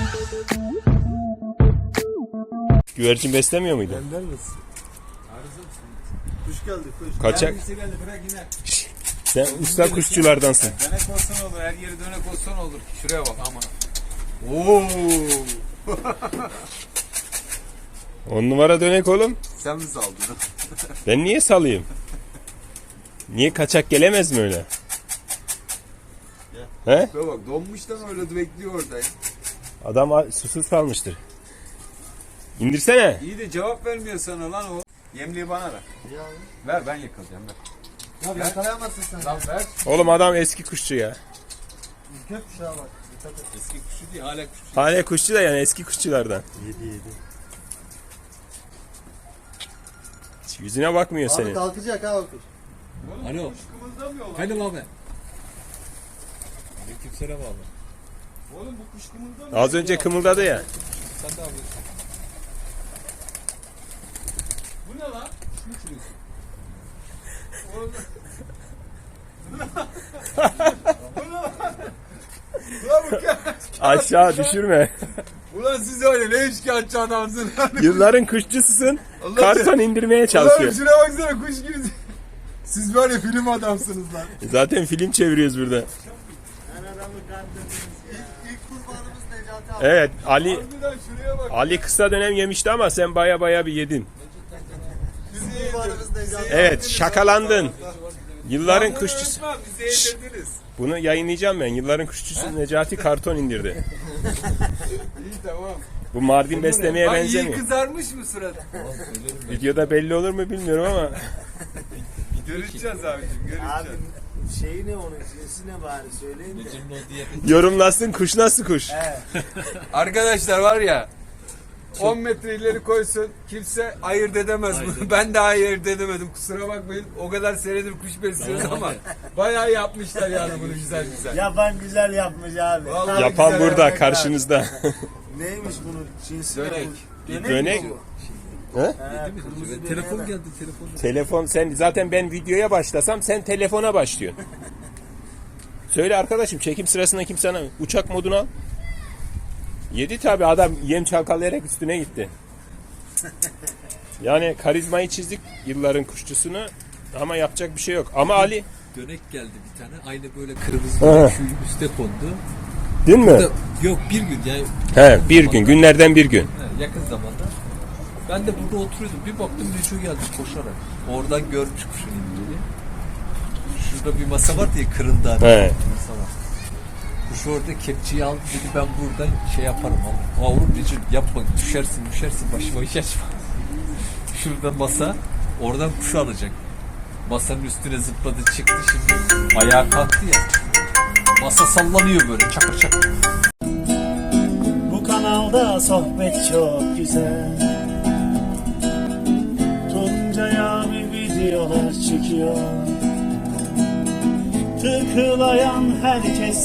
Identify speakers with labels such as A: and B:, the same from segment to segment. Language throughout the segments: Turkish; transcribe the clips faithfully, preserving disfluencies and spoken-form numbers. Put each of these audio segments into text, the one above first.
A: Güvercin beslemiyor muydun?
B: Benden misin? Kuş geldi kuş.
A: Kaçak.
C: Geldi, bırak yine.
A: Sen usta kuşçulardansın.
C: Dönek olsan olur, her yeri dönek olsan olur. Şuraya bak aman. Oo.
A: On numara dönek oğlum.
B: Sen mi saldın?
A: Ben niye salayım? Niye kaçak gelemez mi öyle? He?
B: Şuna bak donmuş da öyle bekliyor orada ya.
A: Adam a- susuz kalmıştır. İndirsene.
C: İyi de cevap vermiyor sana lan o. Yemliği bana ver.
B: Ya,
C: Ver ben yakalayacağım ver.
B: ya yakalayamazsın sen.
C: Lan ver.
A: Oğlum adam eski kuşçu ya.
B: Ülke kuşağa bak. Dikkat et.
C: Eski kuşu değil hala kuşu.
A: Hala kuşçu da yani eski kuşçulardan.
B: Yedi yedi.
A: Hiç yüzüne bakmıyor
B: Abi
A: senin.
B: kalkacak ha o kuş.
C: Alo. Kuş kımıldamıyor lan.
D: Efendim abi. Aleykümselam abi.
C: Oğlum bu kuş kımıldamıyor.
A: Az önce kımıldadı ya.
D: Sen de abi.
C: Bu ne lan?
D: Ne çürüyorsun?
C: Oğlum. Ulan bu ya.
A: Aşağı düşürme.
C: Ulan siz öyle ne işkence adamsın lan.
A: Yılların kuşçususun.
C: Allah
A: Karton indirmeye
C: Ulan
A: çalışıyor.
C: şuna baksana kuş gibi. Siz var ya film adamsınız lan.
A: Zaten film çeviriyoruz burada.
B: Ben adamı kandırdınız ya. İlk, ilk kurbanımız Necati abi.
A: Evet Ali
C: Harbiden şuraya bak.
A: Ali kısa dönem yemişti ama sen baya baya bir yedin.
C: Bizi
B: Kurbanımız Necati abi.
A: Evet şakalandın. Yılların kuşçusu.
C: Etmem, bizi yedirdiniz.
A: Bunu yayınlayacağım ben. Yılların kuşçusu Necati karton indirdi.
C: İyi tamam.
A: Bu Mardin beslemeye
C: Bak iyi
A: benzemiyor.
C: kızarmış mı surat?
A: Videoda belli olur mu bilmiyorum ama.
C: Görüşeceğiz abicim görüşeceğiz.
B: Abi şeyi ne onun cinsi ne bari söyleyin de.
D: Necim'in o diye.
A: Yorumlasın kuş nasıl kuş.
C: Arkadaşlar var ya on metre ileri koysun kimse ayırt edemez bunu. Ben de ayırt edemedim kusura bakmayın. O kadar senedir kuş besliyoruz ama bayağı yapmışlar yani bunu güzel güzel.
B: Yapan güzel yapmış abi.
C: Vallahi
A: Yapan
C: güzel
A: burada
C: yapmak
A: karşınızda.
B: Neymiş bunun cinsi?
C: Dönek.
B: Bu? Dönek,
A: Dönek.
B: mi bu?
A: He?
B: He,
D: Değil mi?
B: kırmızı döneğe
D: Telefon
B: bak.
D: geldi telefon.
A: Telefon sen zaten ben videoya başlasam sen telefona başlıyorsun. Söyle arkadaşım çekim sırasında kim sana uçak modunu al. Yedi tabi adam yem çalkalayarak üstüne gitti. Yani karizmayı çizdik yılların kuşçusunu ama yapacak bir şey yok. Ama Ali
D: Dönek geldi bir tane. Aynı böyle kırmızı şu üste kondu.
A: değil mi?
D: Da- Yok bir gün yani.
A: He bir gün günlerden bir gün.
D: He, yakın zamanda. Ben de burada oturuyordum. Bir baktım Neco geldi koşarak. Oradan görmüş kuşun indiğini. Şurada bir masa var diye kırıldı. Hani.
A: He.
D: Masa var. Kuş orada kepçeyi aldı dedi ben buradan şey yaparım ama. Oğlum Neco yapma düşersin düşersin başıma iş açma. Şurada masa. Oradan kuş alacak. Masanın üstüne zıpladı çıktı şimdi. Ayağa kalktı ya. Masa sallanıyor böyle çakır çakır.
E: Bu kanalda sohbet çok güzel. Tuncay abi videolar çekiyor. Tıklayan herkes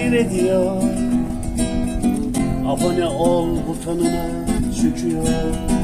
E: seyrediyor. Abone ol butonuna çıkıyor.